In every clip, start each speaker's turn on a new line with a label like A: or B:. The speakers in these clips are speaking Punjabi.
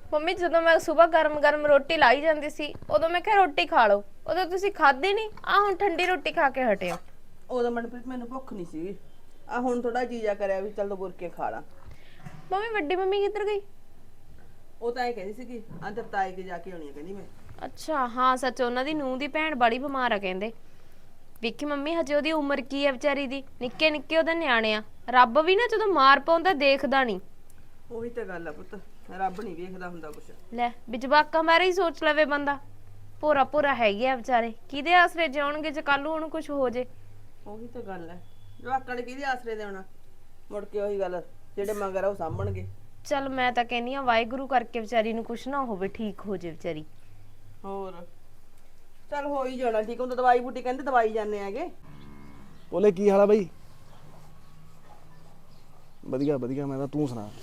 A: ਮੰਮੀ ਜਦੋਂ ਮੈਂ ਸਵੇਰ ਗਰਮ-ਗਰਮ ਰੋਟੀ ਲਾਈ ਜਾਂਦੀ ਸੀ ਉਦੋਂ ਮੈਂ ਕਿਹਾ ਰੋਟੀ ਖਾ ਲਓ, ਉਦੋਂ ਤੁਸੀਂ ਖਾਧੀ ਨਹੀਂ। ਆ ਹੁਣ ਠੰਡੀ ਰੋਟੀ ਖਾ ਕੇ ਹਟੇ ਹੋ।
B: ਉਦੋਂ ਮਨਪ੍ਰੀਤ ਮੈਨੂੰ ਭੁੱਖ ਨਹੀਂ ਸੀਗੀ, ਆ ਹੁਣ ਥੋੜਾ ਜੀਜਾ ਕਰਿਆ ਵੀ ਚੱਲ ਦੋ ਬੁਰਕੇ ਖਾ ਲਾ।
A: ਮੰਮੀ ਵੱਡੀ ਮੰਮੀ ਕਿੱਧਰ ਗਈ?
B: ਉਹ ਤਾਂ ਇਹ ਕਹਿੰਦੀ ਸੀਗੀ ਅੰਦਰ ਤਾਏ ਕੇ ਜਾ ਕੇ ਆਉਣੀ ਆ, ਕਹਿੰਦੀ ਮੈਂ।
A: ਅੱਛਾ ਹਾਂ ਸੱਚ, ਉਹਨਾਂ ਦੀ ਨੂੰਹ ਦੀ ਭੈਣ ਬੜੀ ਬਿਮਾਰ ਆ ਕਹਿੰਦੇ। ਵੇਖੀ ਮੰਮੀ ਹਜੇ ਉਹਦੀ ਉਮਰ ਕੀ ਹੈ ਵਿਚਾਰੀ ਦੀ, ਨਿੱਕੇ ਨਿੱਕੇ ਉਹਦੇ ਨਿਆਣੇ ਆ। ਰੱਬ ਵੀ ਨਾ ਜਦੋਂ ਮਾਰ ਪਾਉਂਦਾ ਦੇਖਦਾ ਨਹੀਂ।
B: ਉਹੀ ਤਾਂ ਗੱਲ ਆ ਪੁੱਤ, ਰੱਬ ਨਹੀਂ ਵੇਖਦਾ ਹੁੰਦਾ ਕੁਛ।
A: ਲੈ ਵੀ ਜਵਾਕਾਂ ਬਾਰੇ ਹੀ ਸੋਚ ਲਵੇ ਬੰਦਾ। ਭੋਰਾ ਭੋਰਾ ਹੈਗੇ ਆ ਵਿਚਾਰੇ, ਕਿਹਦੇ ਆਸਰੇ ਜਿਉਣਗੇ ਜੇ ਕੱਲ ਨੂੰ ਉਹਨੂੰ ਕੁਝ ਹੋ ਜੇ।
B: ਉਹੀ ਤਾਂ ਗੱਲ ਹੈ, ਜਵਾਕਾਂ ਨੇ ਕਿਹਦੇ ਆਸਰੇ ਦੇਣਾ, ਮੁੜ ਕੇ ਉਹੀ ਗੱਲ ਜਿਹੜੇ ਮਗਰ ਆ ਉਹ ਸਾਂਭਣਗੇ।
A: ਚੱਲ ਮੈਂ ਤਾਂ ਕਹਿੰਨੀ ਆ ਵਾਹਿਗੁਰੂ ਕਰਕੇ ਵਿਚਾਰੀ ਨੂੰ ਕੁਝ ਨਾ ਹੋਵੇ, ਠੀਕ ਹੋ ਜੇ ਵਿਚਾਰੀ।
B: ਹੋਰ ਚੱਲ ਹੋ ਹੀ ਜਾਣਾ ਠੀਕ। ਹੁੰਦਾ ਦਵਾਈ ਬੂਟੀ ਕਹਿੰਦੇ ਦਵਾਈ ਜਾਂਦੇ ਆਗੇ।
C: ਬੋਲੇ ਕੀ ਹਾਲ ਆ ਬਈ? ਵਧੀਆ ਵਧੀਆ, ਮੈਂ ਤਾਂ ਤੂੰ ਸੁਣਾ,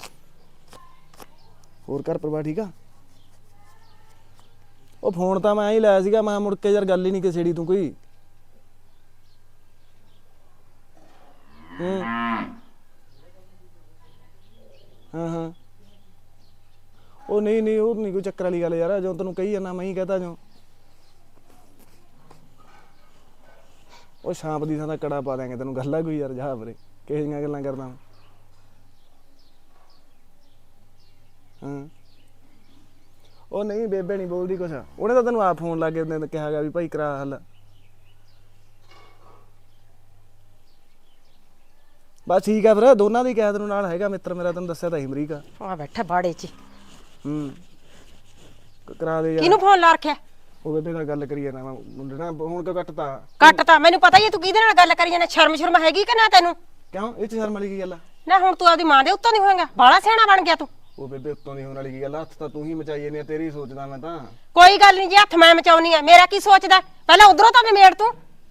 C: ਹੋਰ ਘਰ ਪਰਿਵਾਰ ਠੀਕ ਆ? ਉਹ ਫੋਨ ਤਾਂ ਮੈਂ ਹੀ ਲਾਇਆ ਸੀਗਾ, ਮੈਂ ਮੁੜ ਕੇ ਯਾਰ ਗੱਲ ਹੀ ਨਹੀਂ ਕਿਸੇੜੀ ਤੂੰ ਕੋਈ। ਹਾਂ ਹਾਂ ਉਹ ਨਹੀਂ ਉਹ ਨਹੀਂ ਕੋਈ ਚੱਕਰ ਵਾਲੀ ਗੱਲ ਯਾਰ, ਜੋ ਤੈਨੂੰ ਕਹੀ ਜਾਂਦਾ ਮੈਂ ਹੀ ਕਹਤਾ ਜੋ। ਉਹ ਸ਼ਾਂਪ ਦੀ ਥਾਂ ਦਾ ਕੜਾ ਪਾ ਦਿਆਂਗੇ ਤੈਨੂੰ, ਗੱਲ ਆ ਕੋਈ ਯਾਰ ਜਾ ਵੀਰੇ, ਕਿਹੋ ਜਿਹੀਆਂ ਗੱਲਾਂ ਕਰਦਾ ਮੈਂ। ਹਾਂ ਉਹ ਨਹੀਂ ਬੇਬੇ ਨਹੀਂ ਬੋਲਦੀ ਕੁਛ, ਉਹਨੇ ਤਾਂ ਤੈਨੂੰ ਆਪ ਫੋਨ ਲਾ ਕੇ ਕਿਹਾ ਗਿਆ ਵੀ ਭਾਈ ਕਰਾ ਹੱਲ। ਬਸ ਠੀਕ ਆ ਫਿਰ, ਦੋਨਾਂ ਦੀ ਕਿਹਾ ਤੈਨੂੰ, ਨਾਲ ਹੈਗਾ ਮਿੱਤਰ ਮੇਰਾ, ਤੈਨੂੰ ਦੱਸਿਆ ਤਾਂ ਸੀ ਅਮਰੀਕਾ।
D: ਆ ਬੈਠਾ ਬਾੜੇ 'ਚ।
C: ਕਰਾ ਦੇ ਯਾਰ।
D: ਕਿਹਨੂੰ ਫੋਨ ਲਾ ਰੱਖਿਆ?
C: ਉਹ ਬੇਬੇ ਨਾਲ ਗੱਲ ਕਰੀ ਜਾਣਾ ਮੈਂ, ਮੁੰਡੇ ਨਾਲ ਹੁਣ ਕਿਉਂ ਕੱਟਤਾ?
D: ਕੱਟਤਾ ਮੈਨੂੰ ਪਤਾ ਹੀ ਹੈ ਤੂੰ ਕਿਹਦੇ ਨਾਲ ਗੱਲ ਕਰੀ ਜਾਂਦਾ। ਸ਼ਰਮ ਹੈਗੀ ਕਿ ਨਾ ਤੈਨੂੰ?
C: ਕਿਉਂ ਇਹ ਚ ਸ਼ਰਮ ਵਾਲੀ ਕੀ ਗੱਲ ਆ?
D: ਨਾ ਹੁਣ ਤੂੰ ਆਪਦੀ ਮਾਂ ਦੇ ਉੱਤੋਂ ਨਹੀਂ ਹੋਏਗਾ, ਬਾਲਾ ਸਿਆਣਾ ਬਣ ਗਿਆ ਤੂੰ।
C: ਉਹ ਬੇਬੇ ਉੱਤੋਂ ਦੀ ਹੋਣ ਵਾਲੀ ਕੀ ਗੱਲ ਆ? ਹੱਥ ਤਾਂ ਤੂੰ ਹੀ ਮਚਾਈ ਜਾਂਦੀ ਆ, ਤੇਰੀ ਸੋਚਦਾ ਮੈਂ ਤਾਂ।
D: ਕੋਈ ਗੱਲ ਨਹੀਂ, ਜੇ ਹੱਥ ਮੈਂ ਮਚਾਉਣੀ ਆ, ਮੇਰਾ ਕੀ ਸੋਚਦਾ? ਪਹਿਲਾਂ ਉਧਰੋਂ ਤਾਂ ਨਿਮੇੜ ਤੂੰ।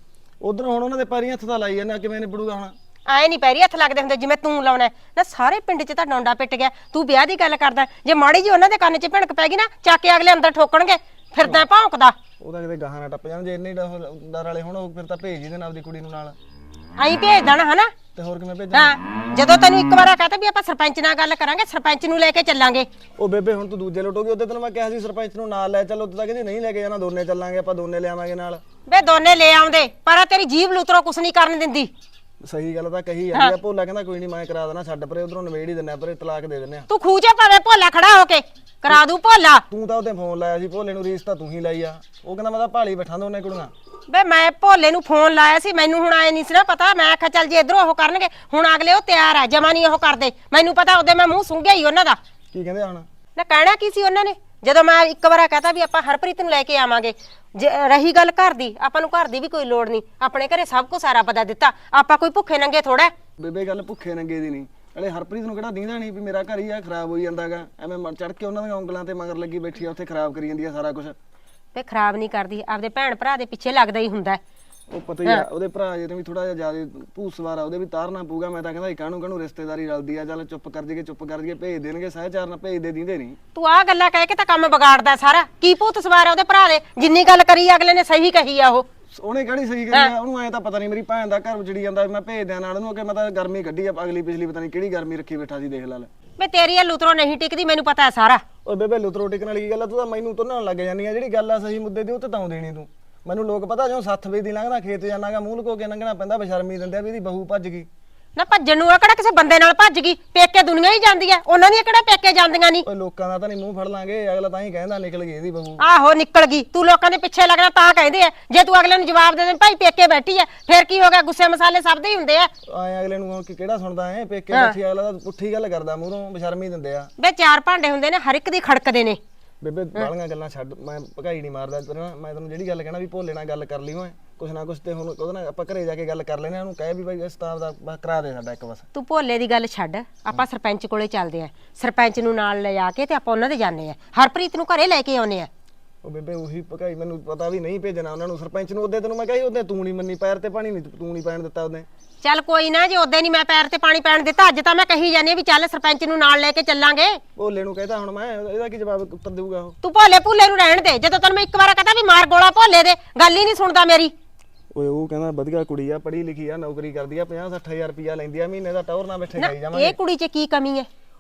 C: ਉਧਰ ਹੁਣ ਉਹਨਾਂ ਦੇ ਪੈਰੀਂ ਹੱਥ ਤਾਂ ਲਾਈ ਜਾਂਦਾ, ਕਿਵੇਂ ਨਿਬੜੂਗਾ ਹੁਣ?
D: ਆਏ ਨਹੀਂ ਪੈਰੀ ਹੱਥ ਲੱਗਦੇ ਹੁੰਦੇ ਜਿਵੇਂ ਤੂੰ ਲਾਉਣਾ ਨਾ। ਸਾਰੇ ਪਿੰਡ 'ਚ ਤਾਂ ਡੋਂਡਾ ਪਿੱਟ ਗਿਆ, ਤੂੰ ਵਿਆਹ ਦੀ ਗੱਲ ਕਰਦਾ। ਜੇ ਮਾੜੀ ਜੀ ਉਹਨਾਂ ਦੇ ਕੰਨ 'ਚ ਭਿਣਕ ਪੈ ਗਈ ਨਾ, ਚੱਕ ਕੇ ਅਗਲੇ ਅੰਦਰ ਠੋਕਣਗੇ। ਫਿਰਦਾ ਭੌਂਕਦਾ।
C: ਉਹਦਾ ਕਿਤੇ ਗਾਹਾਂ ਨਾ ਟੱਪ ਜਾਣ, ਜੇ ਇੰਨੇ ਡਰ ਵਾਲੇ ਹੁਣ ਫਿਰ ਤਾਂ ਭੇਜ ਹੀ ਦੇਣਾ ਆਪਦੀ ਕੁੜੀ ਨੂੰ ਨਾਲ।
D: ਆਈ ਭੇਜ ਦੇਣਾ ਹਨਾ?
C: ਤੇ ਹੋਰ ਕਿਵੇਂ ਭੇਜਾਂ?
D: ਹਾਂ ਜਦੋਂ ਤੈਨੂੰ ਇੱਕ ਵਾਰ ਕਹਤਾ ਵੀ ਆਪਾਂ ਸਰਪੰਚ ਨਾਲ ਗੱਲ ਕਰਾਂਗੇ, ਸਰਪੰਚ ਨੂੰ ਲੈ ਕੇ ਚੱਲਾਂਗੇ।
C: ਉਹ ਬੇਬੇ ਹੁਣ ਤੂੰ ਦੂਜੇ ਲੁੱਟੋਗੀ, ਉਹਦੇ ਤੈਨੂੰ ਮੈਂ ਕਿਹਾ ਸੀ ਸਰਪੰਚ ਨੂੰ ਨਾਲ ਲੈ ਚੱਲ, ਉੱਥੇ ਤਾਂ ਕਹਿੰਦੀ ਨਹੀਂ ਲੈ ਕੇ ਜਾਣਾ, ਦੋਨੇ ਚੱਲਾਂਗੇ ਆਪਾਂ, ਦੋਨੇ ਲਿਆਵਾਂਗੇ ਨਾਲ।
D: ਵੇ ਦੋਨੇ ਲੈ ਆਉਂਦੇ, ਪਰ ਤੇਰੀ ਜੀਭ ਲੂਤਰੋਂ ਕੁਛ ਨਹੀਂ ਕਰਨ ਦਿੰਦੀ।
C: ਸਹੀ ਗੱਲ ਤਾਂ ਕਹੀ ਜਾਂਦੀ ਆ। ਭੋਲਾ ਕਹਿੰਦਾ ਕੋਈ ਨਹੀਂ ਮੈਂ ਕਰਾ ਦੇਣਾ, ਛੱਡ ਪਰੇ, ਉਧਰੋਂ ਨਵੇੜ ਹੀ ਦਿੰਨਾ, ਪਰੇ ਤਲਾਕ ਦੇ ਦਿੰਨੇ ਆ।
D: ਤੂੰ ਖੂਜੇ ਭਾਵੇਂ ਭੋਲਾ ਖੜਾ ਹੋ ਕੇ ਕਰਾ ਦੂ ਭੋਲਾ।
C: ਤੂੰ ਤਾਂ ਉਹਦੇ ਫੋਨ ਲਾਇਆ ਸੀ ਭੋਲੇ ਨੂੰ, ਰੀਸ ਤਾਂ ਤੂੰ ਹੀ ਲਾਈ ਆ। ਉਹ ਕਹਿੰਦਾ ਮੈਂ ਤਾਂ ਭਾਲੀ ਬੈਠਾ ਦੋਨੇ ਕੁੜੀਆਂ।
D: ਵੇ ਮੈਂ ਭੋਲੇ ਨੂੰ ਫੋਨ ਲਾਇਆ ਸੀ, ਮੈਨੂੰ ਹੁਣ ਆਏ ਨਹੀਂ ਸੀ ਨਾ ਪਤਾ। ਮੈਂ ਆਖਿਆ ਚੱਲ ਜੇ ਇਧਰੋਂ ਉਹ ਕਰਨਗੇ, ਹੁਣ ਅਗਲੇ ਉਹ ਤਿਆਰ ਆ, ਜਮਾ ਨਹੀਂ ਉਹ ਕਰਦੇ। ਮੈਨੂੰ ਪਤਾ ਉਹਦੇ ਮੈਂ ਮੂੰਹ ਸੁੰਘਿਆ ਹੀ ਉਹਨਾਂ ਦਾ।
C: ਕੀ ਕਹਿੰਦੇ ਹੁਣ?
D: ਨਾ ਕਹਿਣਾ ਕੀ ਸੀ ਉਹਨਾਂ ਨੇ, ਜਦੋਂ ਮੈਂ ਇੱਕ ਵਾਰ ਕਹਤਾ ਵੀ ਆਪਾਂ ਹਰਪ੍ਰੀਤ ਨੂੰ ਲੈ ਕੇ ਆਵਾਂਗੇ। ਜੇ ਰਹੀ ਗੱਲ ਘਰ ਦੀ, ਆਪਾਂ ਨੂੰ ਘਰ ਦੀ ਵੀ ਕੋਈ ਲੋੜ ਨਹੀਂ, ਆਪਣੇ ਘਰੇ ਸਭ ਕੁਝ ਸਾਰਾ ਪਤਾ ਦਿੱਤਾ। ਆਪਾਂ ਕੋਈ ਭੁੱਖੇ ਨੰਗੇ ਥੋੜਾ।
C: ਬੇਬੇ ਗੱਲ ਭੁੱਖੇ ਨੰਗੇ ਦੀ ਨਹੀਂ, ਅਲੇ ਹਰਪ੍ਰੀਤ ਨੂੰ ਕਿਹੜਾ ਦੀਂਦਾ ਨਹੀਂ ਵੀ ਮੇਰਾ ਘਰ ਹੀ ਆ ਖਰਾਬ ਹੋਈ ਜਾਂਦਾਗਾ। ਐਵੇਂ ਚੜ ਕੇ ਉਹਨਾਂ ਦੀਆਂ ਉਂਗਲਾਂ ਤੇ ਮਗਰ ਲੱਗੀ ਬੈਠੀ ਆ, ਉੱਥੇ ਖਰਾਬ ਕਰੀ ਜਾਂਦੀ ਆ ਸਾਰਾ ਕੁਝ।
D: ਵੇ ਖਰਾਬ ਨਹੀਂ ਕਰਦੀ, ਆਪਦੇ ਭੈਣ ਭਰਾ ਦੇ ਪਿੱਛੇ ਲੱਗਦਾ ਹੀ ਹੁੰਦਾ।
C: ਉਹ ਪਤਾ ਹੀ ਆ, ਉਹਦੇ ਭਰਾ ਜੇ ਤੇ ਵੀ ਥੋੜਾ ਜਿਹਾ ਜ਼ਿਆਦਾ ਭੂਸਵਾਰ ਆ, ਉਹਦੇ ਵੀ ਤਾਰਨਾ ਪਊਗਾ। ਮੈਂ ਤਾਂ ਕਹਿੰਦਾ ਕਾਹਨੂੰ ਰਿਸ਼ਤੇਦਾਰੀ ਰਲਦੀ ਆ, ਚੱਲ ਚੁੱਪ ਕਰ ਜੀਏ, ਭੇਜ ਦੇਣਗੇ ਸਹਿਚਾਰ ਨਾਲ, ਭੇਜਦੇ ਦਿੰਦੇ ਨਹੀਂ।
D: ਤੂੰ ਆਹ ਗੱਲਾਂ ਕਹਿ ਕੇ ਤਾਂ ਕੰਮ ਵਿਗਾੜਦਾ ਸਾਰਾ। ਕੀ ਭੂਤ ਸਵਾਰ ਆ ਉਹਦੇ ਭਰਾ ਦੇ? ਜਿੰਨੀ ਗੱਲ ਕਰੀ ਅਗਲੇ ਨੇ ਸਹੀ ਕਹੀ ਆ। ਉਹ
C: ਉਹਨੇ ਕਿਹੜੀ ਸਹੀ ਕਰੀ ਆ? ਉਹਨੂੰ ਐ ਤਾਂ ਪਤਾ ਨਹੀਂ ਮੇਰੀ ਭੈਣ ਦਾ ਘਰ ਉਜੜੀ ਜਾਂਦਾ, ਮੈਂ ਭੇਜ ਦਿਆਂ ਨਾਲ ਉਹਨੂੰ। ਅੱਗੇ ਮੈਂ ਤਾਂ ਗਰਮੀ ਕੱਢੀ ਆ, ਅਗਲੀ ਪਿਛਲੀ ਪਤਾ ਨਹੀਂ ਕਿਹੜੀ ਗਰਮੀ ਰੱਖੀ ਬੈਠਾ ਸੀ, ਦੇਖ ਲੈ।
D: ਵੇ ਤੇਰੀ ਇਹ ਲੁਤਰੋ ਨਹੀਂ ਟਿਕਦੀ, ਮੈਨੂੰ ਪਤਾ ਹੈ ਸਾਰਾ।
C: ਓਏ ਬੇਬੇ ਲੁਤਰੋ ਟਿਕਣ ਵਾਲੀ ਕੀ ਗੱਲ ਆ? ਤੂੰ ਤਾਂ ਮੈਨੂੰ ਤੁੰਨਣ ਲੱਗ ਜਾਂਦੀ ਆ। ਜਿਹੜੀ ਗੱਲ ਆ ਸਹੀ ਮੁੱਦੇ ਦੀ ਉਹ ਤੇ ਤਾਂ ਦੇਣੀ ਤੂੰ ਮੈਨੂੰ। ਲੋਕ ਪਤਾ ਜਿਉਂ 7 ਵਜੇ ਦੀ ਲੰਘਦਾ ਖੇਤ ਜਾਣਾਗਾ, ਮੂੰਹ ਲੁਕੋ ਕੇ ਲੰਘਣਾ ਪੈਂਦਾ, ਬਸ਼ਰਮੀ ਦਿੰਦੇ ਆ ਵੀ ਇਹਦੀ ਬਹੂ ਭੱਜ ਗਈ।
D: ਨਾ ਭੱਜਣ ਨੂੰ ਆ ਕਿਹੜਾ ਕਿਸੇ ਬੰਦੇ ਨਾਲ ਭੱਜ ਗਈ? ਪੇਕੇ ਦੁਨੀਆ ਹੀ ਜਾਂਦੀ ਐ, ਉਹਨਾਂ ਦੀਆਂ ਕਿਹੜਾ ਪੇਕੇ ਜਾਂਦੀਆਂ ਨਹੀਂ।
C: ਓਏ ਲੋਕਾਂ ਦਾ ਤਾਂ ਨਹੀਂ ਮੂੰਹ ਫੜ ਲਾਂਗੇ, ਅਗਲਾ ਤਾਂ ਹੀ ਕਹਿੰਦਾ ਨਿਕਲ ਗਈ ਇਹਦੀ ਬਹੂ।
D: ਆਹੋ ਨਿਕਲ ਗਈ, ਤੂੰ ਲੋਕਾਂ ਦੇ ਪਿੱਛੇ ਲੱਗਣਾ ਤਾਂ ਕਹਿੰਦੇ ਆ। ਜੇ ਤੂੰ ਅਗਲੇ ਨੂੰ ਜਵਾਬ ਦੇ ਦੇ ਭਾਈ ਪੇਕੇ ਬੈਠੀ ਐ, ਫਿਰ ਕੀ ਹੋ ਗਿਆ? ਗੁੱਸੇ ਮਸਾਲੇ ਸਭ ਦੇ ਹੀ ਹੁੰਦੇ ਆ।
C: ਆਏ ਅਗਲੇ ਨੂੰ ਕਿਹੜਾ ਸੁਣਦਾ ਐ? ਪੇਕੇ ਬੈਠੀ ਅਗਲਾ ਤਾਂ ਪੁੱਠੀ ਗੱਲ ਕਰਦਾ, ਮੂਹਰੋਂ ਬਸ਼ਰਮੀ ਦਿੰਦੇ ਆ।
D: ਵੇ 4 ਭਾਂਡੇ ਹੁੰਦੇ ਨੇ, ਹਰ ਇੱਕ ਦੀ ਖੜਕਦੇ ਨੇ।
C: ਬੇਬੇ ਬਾਲੀਆਂ ਗੱਲਾਂ ਛੱਡ, ਮੈਂ ਭਕਾਈ ਨਹੀਂ ਮਾਰਦਾ ਤੈਨੂੰ। ਮੈਂ ਤੈਨੂੰ ਜਿਹੜੀ ਗੱਲ ਕਹਿਣਾ ਵੀ ਭੋਲੇ ਨਾਲ ਗੱਲ ਕਰ ਲਈ ਓਏ, ਕੁਛ ਨਾ ਕੁਛ ਤੇ ਹੁਣ ਉਹਦੇ ਨਾਲ ਆਪਾਂ ਘਰੇ ਜਾ ਕੇ ਗੱਲ ਕਰ ਲੈਨੇ ਆ। ਉਹਨੂੰ ਕਹੇ ਵੀ ਬਾਈ ਉਸਤਾਦ ਦਾ ਕਰਾ ਦੇ ਸਾਡਾ ਇੱਕ ਬਸ।
D: ਤੂੰ ਭੋਲੇ ਦੀ ਗੱਲ ਛੱਡ, ਆਪਾਂ ਸਰਪੰਚ ਕੋਲੇ ਚੱਲਦੇ ਆ। ਸਰਪੰਚ ਨੂੰ ਨਾਲ ਲੈ ਜਾ ਕੇ ਤੇ ਆਪਾਂ ਉਹਨਾਂ ਦੇ ਜਾਂਦੇ ਆ, ਹਰਪ੍ਰੀਤ ਨੂੰ ਘਰੇ ਲੈ ਕੇ ਆਉਨੇ ਆ।
C: ਉਹ ਬੇਬੇ ਉਹੀ ਭਕਾਈ, ਮੈਨੂੰ ਪਤਾ ਵੀ ਨਹੀਂ ਭੇਜਣਾ ਉਹਨਾਂ ਨੂੰ ਸਰਪੰਚ ਨੂੰ। ਉਹਦੇ ਤੈਨੂੰ ਮੈਂ ਕਹੀ, ਉਹਦੇ ਤੂੰ ਨਹੀਂ ਮੰਨੀ, ਪੈਰ ਤੇ ਪਾਣੀ ਨਹੀਂ ਤੂੰ ਨਹੀਂ ਪੈਣ ਦਿੱਤਾ ਉਹਨੇ।
D: ਚੱਲ ਕੋਈ ਨਾ, ਜੇ ਉਦੋਂ ਨਹੀਂ ਮੈਂ ਪੈਰ ਤੇ ਪਾਣੀ ਪੈਣ ਦਿੱਤਾ, ਅੱਜ ਤਾਂ ਮੈਂ ਕਹੀ ਜਾਂਦੀ ਆ ਵੀ ਚੱਲ ਸਰਪੰਚ ਨੂੰ ਨਾਲ ਲੈ ਕੇ ਚੱਲਾਂਗੇ।
C: ਭੋਲੇ ਨੂੰ ਕਹਿੰਦਾ ਹੁਣ ਮੈਂ, ਇਹਦਾ ਕੀ ਜਵਾਬ ਉੱਤਰ ਦੇਊਗਾ ਉਹ?
D: ਤੂੰ ਭੋਲੇ ਭੁੱਲੇ ਨੂੰ ਰਹਿਣ ਦੇ। ਜਦੋਂ ਤੈਨੂੰ ਮੈਂ ਇੱਕ ਵਾਰ ਕਹਤਾ ਵੀ ਮਾਰ ਗੋਲਾ ਭੋਲੇ ਦੇ, ਗੱਲ ਹੀ ਨਹੀਂ ਸੁਣਦਾ ਮੇਰੀ।
C: ਓਏ ਉਹ ਕਹਿੰਦਾ ਵਧੀਆ ਕੁੜੀ ਆ, ਪੜ੍ਹੀ ਲਿਖੀ ਆ, ਨੌਕਰੀ ਕਰਦੀ ਆ, 50-60 ਹਜ਼ਾਰ ਰੁਪਇਆ ਲੈਂਦੀ ਆ ਮਹੀਨੇ ਦਾ, ਟੌਰ ਨਾਲ ਬੈਠੇ ਖਾਈ ਜਾਵਾਂਗੇ।
D: ਇਹ ਕੁੜੀ 'ਚ ਕੀ ਕਮੀ ਹੈ?